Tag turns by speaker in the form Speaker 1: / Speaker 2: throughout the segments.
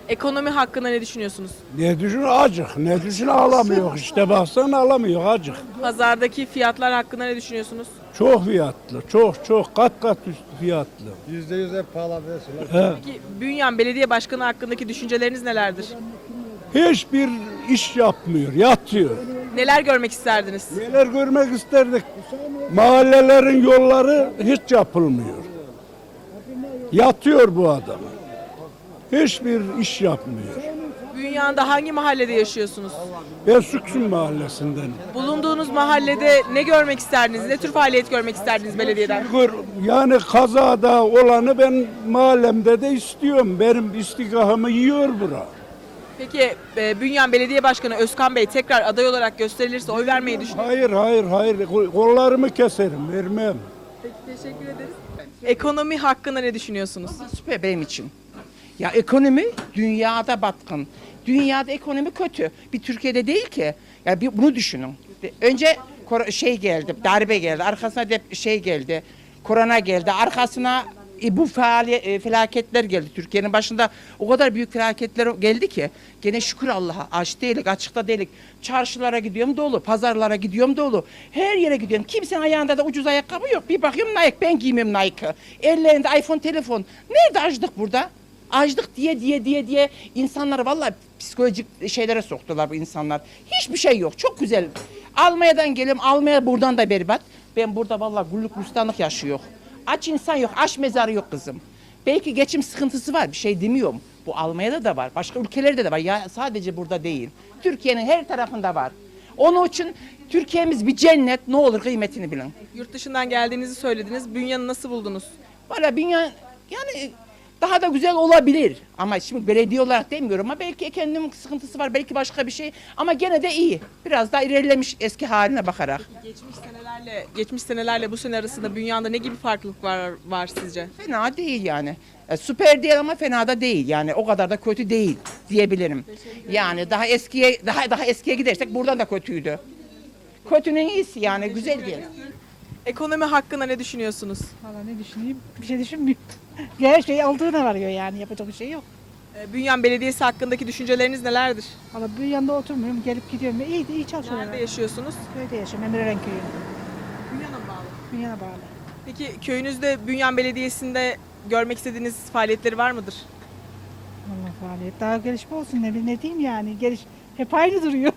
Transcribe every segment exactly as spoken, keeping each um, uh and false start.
Speaker 1: Ekonomi hakkında ne düşünüyorsunuz?
Speaker 2: Ne düşün acık, ne düşün alamıyor işte baksana alamıyor acık.
Speaker 1: Pazardaki fiyatlar hakkında ne düşünüyorsunuz?
Speaker 2: Çok fiyatlı, çok çok kat kat üstü fiyatlı.
Speaker 3: Yüzde yüz hep pahalı diyorsunuz.
Speaker 2: He.
Speaker 1: Peki Bünyan Belediye Başkanı hakkındaki düşünceleriniz nelerdir?
Speaker 2: Hiçbir iş yapmıyor, yatıyor.
Speaker 1: Neler görmek isterdiniz?
Speaker 2: Neler görmek isterdik? Mahallelerin yolları hiç yapılmıyor. Yatıyor bu adam. Hiçbir iş yapmıyor.
Speaker 1: Bünyan'da hangi mahallede yaşıyorsunuz?
Speaker 2: Ben Süksün mahallesinden.
Speaker 1: Bulunduğunuz mahallede ne görmek isterdiniz? Ne tür faaliyet görmek isterdiniz belediyeden?
Speaker 2: Gör- Yani kazada olanı ben mahallemde de istiyorum. Benim istigahımı yiyor bura.
Speaker 1: Peki e, Bünyan Belediye Başkanı Özkan Bey tekrar aday olarak gösterilirse oy vermeyi düşünüyor musunuz?
Speaker 2: Hayır hayır hayır kollarımı keserim vermem.
Speaker 1: Peki teşekkür ederiz. Ekonomi hakkında ne düşünüyorsunuz?
Speaker 4: Süper benim için. Ya ekonomi dünyada batkın. Dünyada ekonomi kötü. Bir Türkiye'de değil ki. Ya bir bunu düşünün. Önce kor- şey geldi, darbe geldi. Arkasına dep şey geldi. Korona geldi. Arkasına e, bu faaliyet e, felaketler geldi. Türkiye'nin başında o kadar büyük felaketler geldi ki gene şükür Allah'a aç değilik, açıkta değilik. Çarşılara gidiyorum dolu, pazarlara gidiyorum dolu. Her yere gidiyorum. Kimsenin ayağında da ucuz ayakkabı yok. Bir bakıyorum Nike, ben giymem Nike'ı. Ellerinde iPhone telefon. Nerede açlık burada? Açlık diye diye diye diye insanları vallahi psikolojik şeylere soktular bu insanlar. Hiçbir şey yok. Çok güzel. Almanya'dan geliyorum. Almanya buradan da berbat. Ben burada vallahi gulluk gülistanlık yaşıyor. Aç insan yok. Aç mezarı yok kızım. Belki geçim sıkıntısı var. Bir şey demiyorum. Bu Almanya'da da var. Başka ülkelerde de var. Ya sadece burada değil. Türkiye'nin her tarafında var. Onun için Türkiye'miz bir cennet. Ne olur kıymetini bilin.
Speaker 1: Yurt dışından geldiğinizi söylediniz. Bünyan'ı nasıl buldunuz?
Speaker 4: Valla dünya yani daha da güzel olabilir. Ama şimdi belediye olarak demiyorum ama belki ekonomik sıkıntısı var, belki başka bir şey. Ama gene de iyi. Biraz daha ilerlemiş eski haline bakarak.
Speaker 1: Geçmiş senelerle geçmiş senelerle bu sene arasında Bünyan'da ne gibi farklılık var var sizce?
Speaker 4: Fena değil yani. E, süper değil ama fena da değil. Yani o kadar da kötü değil diyebilirim. Yani daha eskiye daha daha eskiye gidersek buradan da kötüydü. Kötünün iyisi yani güzel değil.
Speaker 1: Ekonomi hakkında ne düşünüyorsunuz?
Speaker 5: Valla ne düşüneyim? Bir şey düşünmüyorum. Her şey aldığına varıyor yani yapacak bir şey yok.
Speaker 1: Ee, Bünyan Belediyesi hakkındaki düşünceleriniz nelerdir?
Speaker 5: Valla bir yanında oturmuyorum, gelip gidiyorum. İyi de iyi çalışıyorlar.
Speaker 1: Nerede yaşıyorsunuz?
Speaker 5: Köyde yaşıyorum, Emirören köyü.
Speaker 1: Bünyan'a mı bağlı?
Speaker 5: Dünyana bağlı.
Speaker 1: Peki köyünüzde Bünyan Belediyesi'nde görmek istediğiniz faaliyetleri var mıdır?
Speaker 5: Valla faaliyet daha gelişme olsun ne, ne diyeyim yani. Geliş hep aynı duruyor.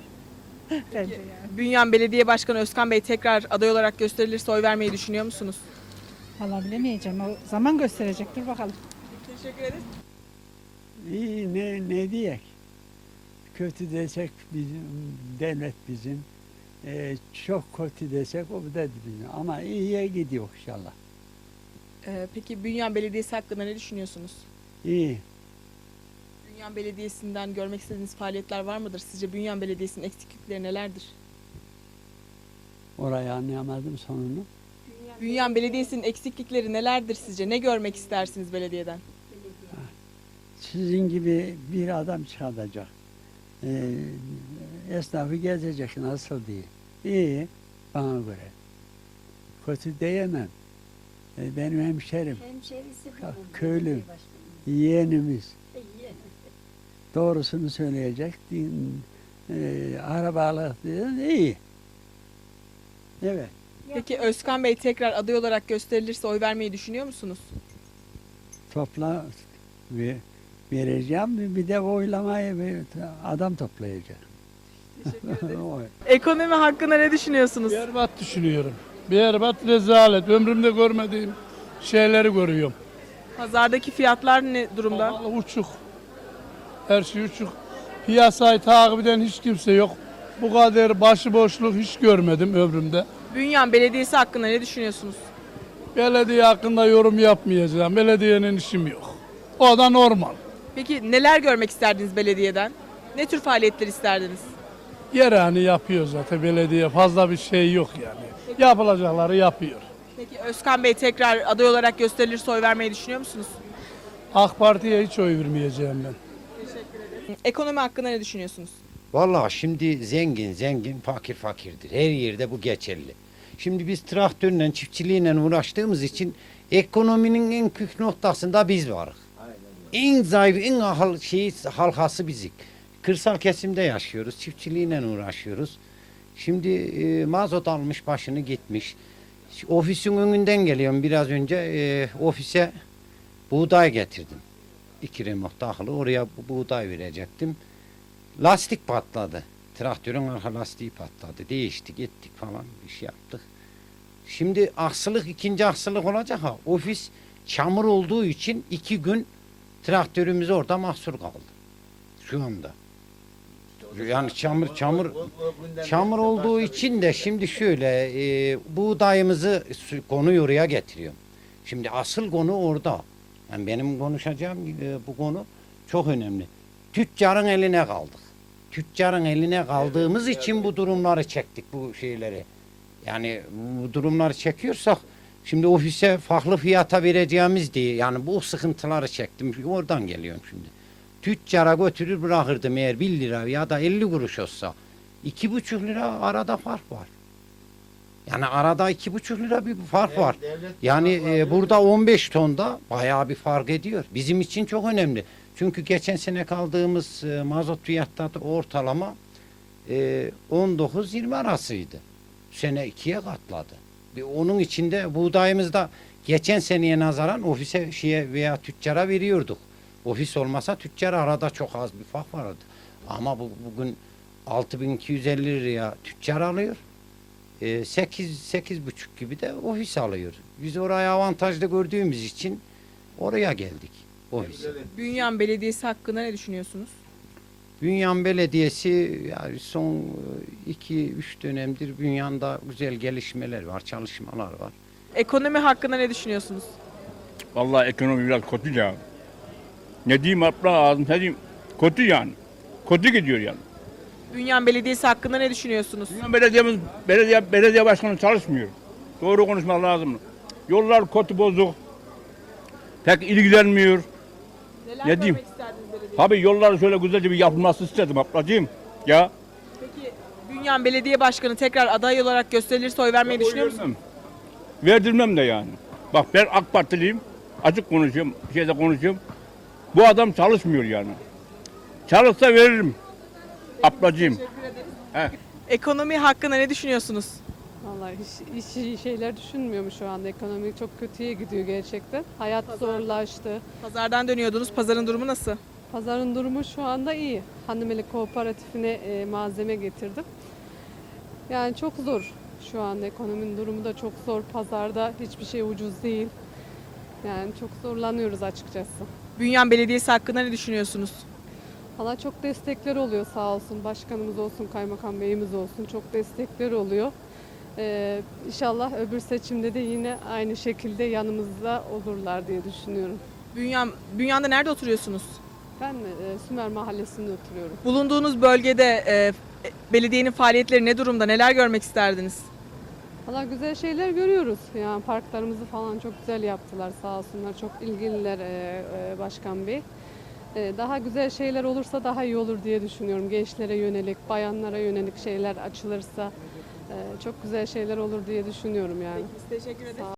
Speaker 5: Bence yani.
Speaker 1: Bünyan Belediye Başkanı Özkan Bey tekrar aday olarak gösterilirse oy vermeyi düşünüyor musunuz?
Speaker 5: Valla bilemeyeceğim. O zaman gösterecektir bakalım.
Speaker 1: Teşekkür ederiz.
Speaker 6: İyi ne ne diyek? Kötü desek bizim devlet bizim. Ee, çok kötü desek o da bizim. Ama iyiye gidiyor inşallah.
Speaker 1: Ee, peki Bünyan Belediyesi hakkında ne düşünüyorsunuz?
Speaker 6: İyi.
Speaker 1: Bünyan Belediyesi'nden görmek istediğiniz faaliyetler var mıdır? Sizce Bünyan Belediyesi'nin eksiklikleri nelerdir?
Speaker 6: Orayı anlayamadım sonunu.
Speaker 1: Bünyan Belediyesi'nin eksiklikleri nelerdir sizce? Ne görmek istersiniz belediyeden?
Speaker 6: Sizin gibi bir adam çıkacak. Ee, esnafı gezecek nasıl diye. İyi bana göre. Kötü diyemem. Ee, benim hemşerim.
Speaker 7: Hemşerisi
Speaker 6: Köylüm. Yeğenimiz. Doğrusunu söyleyecek. Din, e, arabalık diye iyi. Evet.
Speaker 1: Peki Özkan Bey tekrar aday olarak gösterilirse oy vermeyi düşünüyor musunuz?
Speaker 6: Topla ve vereceğim bir de oylamayı bir adam toplayacak. Oy.
Speaker 1: Ekonomi hakkında ne düşünüyorsunuz?
Speaker 2: Berbat düşünüyorum. Berbat rezalet. Ömrümde görmediğim şeyleri görüyorum.
Speaker 1: Pazardaki fiyatlar ne durumda?
Speaker 2: Vallahi uçuk. Her şey uçuk. Piyasayı takip eden hiç kimse yok. Bu kadar başıboşluk hiç görmedim ömrümde.
Speaker 1: Bünyan Belediyesi hakkında ne düşünüyorsunuz?
Speaker 2: Belediye hakkında yorum yapmayacağım. Belediyenin işim yok. O da normal.
Speaker 1: Peki neler görmek isterdiniz belediyeden? Ne tür faaliyetler isterdiniz?
Speaker 2: Yerani yapıyor zaten belediye. Fazla bir şey yok yani. Yapılacakları yapıyor.
Speaker 1: Peki Özkan Bey tekrar aday olarak gösterilirse oy vermeyi düşünüyor musunuz?
Speaker 2: AK Parti'ye hiç oy vermeyeceğim ben.
Speaker 1: Ekonomi hakkında ne düşünüyorsunuz?
Speaker 3: Vallahi şimdi zengin zengin, fakir fakirdir. Her yerde bu geçerli. Şimdi biz traktörle, çiftçiliğiyle uğraştığımız için ekonominin en kök noktasında biz varız. En zayıf, en ahal şeyi, halkası bizik. Kırsal kesimde yaşıyoruz, çiftçiliğiyle uğraşıyoruz. Şimdi e, mazot almış başını gitmiş. Ofisin önünden geliyorum biraz önce, e, ofise buğday getirdim. İki remok takılı, oraya bu buğday verecektim. Lastik patladı. Traktörün arka lastiği patladı. Değiştik, ettik falan bir şey yaptık. Şimdi aksılık, ikinci aksılık olacak ha. Ofis çamur olduğu için iki gün traktörümüz orada mahsur kaldı. Şu anda. Yani çamur çamur çamur olduğu için de şimdi şöyle e, buğdayımızı su- konuyu oraya getiriyorum. Şimdi asıl konu orada. Yani benim konuşacağım e, bu konu çok önemli. Tüccarın eline kaldık. Tüccarın eline kaldığımız için bu durumları çektik, bu şeyleri. Yani bu durumları çekiyorsak şimdi ofise farklı fiyata vereceğimiz diye yani bu sıkıntıları çektim. Oradan geliyorum şimdi. Tüccara götürür bırakırdım eğer bir lira ya da elli kuruş olsa. iki buçuk lira arada fark var. Yani arada iki buçuk lira bir fark var. Yani e, burada on beş tonda bayağı bir fark ediyor. Bizim için çok önemli. Çünkü geçen sene kaldığımız e, mazot fiyatları ortalama e, on dokuz yirmi arasıydı. Bu sene ikiye katladı. Ve onun içinde buğdayımızda geçen seneye nazaran ofise şeye veya tüccara veriyorduk. Ofis olmasa tüccar arada çok az bir fark vardı. Ama bu, bugün altı bin iki yüz elli liraya tüccar alıyor. E, sekiz sekiz buçuk gibi de ofis alıyor. Biz oraya avantajlı gördüğümüz için oraya geldik. Ofis.
Speaker 1: Bünyan Belediyesi hakkında ne düşünüyorsunuz?
Speaker 3: Bünyan Belediyesi yani son iki üç dönemdir Bünyan'da güzel gelişmeler var, çalışmalar var.
Speaker 1: Ekonomi hakkında ne düşünüyorsunuz?
Speaker 7: Vallahi ekonomi biraz kötü ya. Ne diyeyim abla ağzım ne diyeyim. Kötü yani. Kötü gidiyor yani.
Speaker 1: Bünyan Belediyesi hakkında ne düşünüyorsunuz?
Speaker 7: Dünya belediyemiz, belediye, belediye başkanı çalışmıyor. Doğru konuşmak lazım. Yollar kötü bozuk. Pek ilgilenmiyor.
Speaker 1: Neler
Speaker 7: Ne diyeyim?
Speaker 1: görmek isterdiniz belediye?
Speaker 7: Tabii yollar şöyle güzelce bir yapılması istedim ablacığım. Ya.
Speaker 1: Peki Bünyan Belediye Başkanı tekrar aday olarak gösterilirse oy vermeyi düşünüyor musunuz?
Speaker 7: Verdirmem de yani. Bak ben AK Partiliyim. Açık konuşuyorum. Bir şeyde konuşuyorum. Bu adam çalışmıyor yani. Çalışsa veririm. Ablacığım. He.
Speaker 1: Ekonomi hakkında ne düşünüyorsunuz?
Speaker 8: Vallahi hiç, hiç iyi şeyler düşünmüyorum şu anda. Ekonomi çok kötüye gidiyor gerçekten. Hayat zorlaştı.
Speaker 1: Pazardan dönüyordunuz. Pazarın durumu nasıl?
Speaker 8: Pazarın durumu şu anda iyi. Hanımeli Kooperatifine e, malzeme getirdim. Yani çok zor şu anda. Ekonominin durumu da çok zor. Pazarda hiçbir şey ucuz değil. Yani çok zorlanıyoruz açıkçası.
Speaker 1: Bünyan Belediyesi hakkında ne düşünüyorsunuz?
Speaker 8: Valla çok destekler oluyor sağ olsun. Başkanımız olsun, kaymakam beyimiz olsun. Çok destekler oluyor. Ee, inşallah öbür seçimde de yine aynı şekilde yanımızda olurlar diye düşünüyorum.
Speaker 1: Bünyan, Bünyan'da nerede oturuyorsunuz?
Speaker 8: Ben e, Sümer Mahallesi'nde oturuyorum.
Speaker 1: Bulunduğunuz bölgede e, belediyenin faaliyetleri ne durumda? Neler görmek isterdiniz?
Speaker 8: Valla güzel şeyler görüyoruz. Yani parklarımızı falan çok güzel yaptılar sağ olsunlar. Çok ilgililer e, e, Başkan Bey. E, daha güzel şeyler olursa daha iyi olur diye düşünüyorum. Gençlere yönelik, bayanlara yönelik şeyler açılırsa e, çok güzel şeyler olur diye düşünüyorum yani.
Speaker 1: Biz teşekkür ederiz.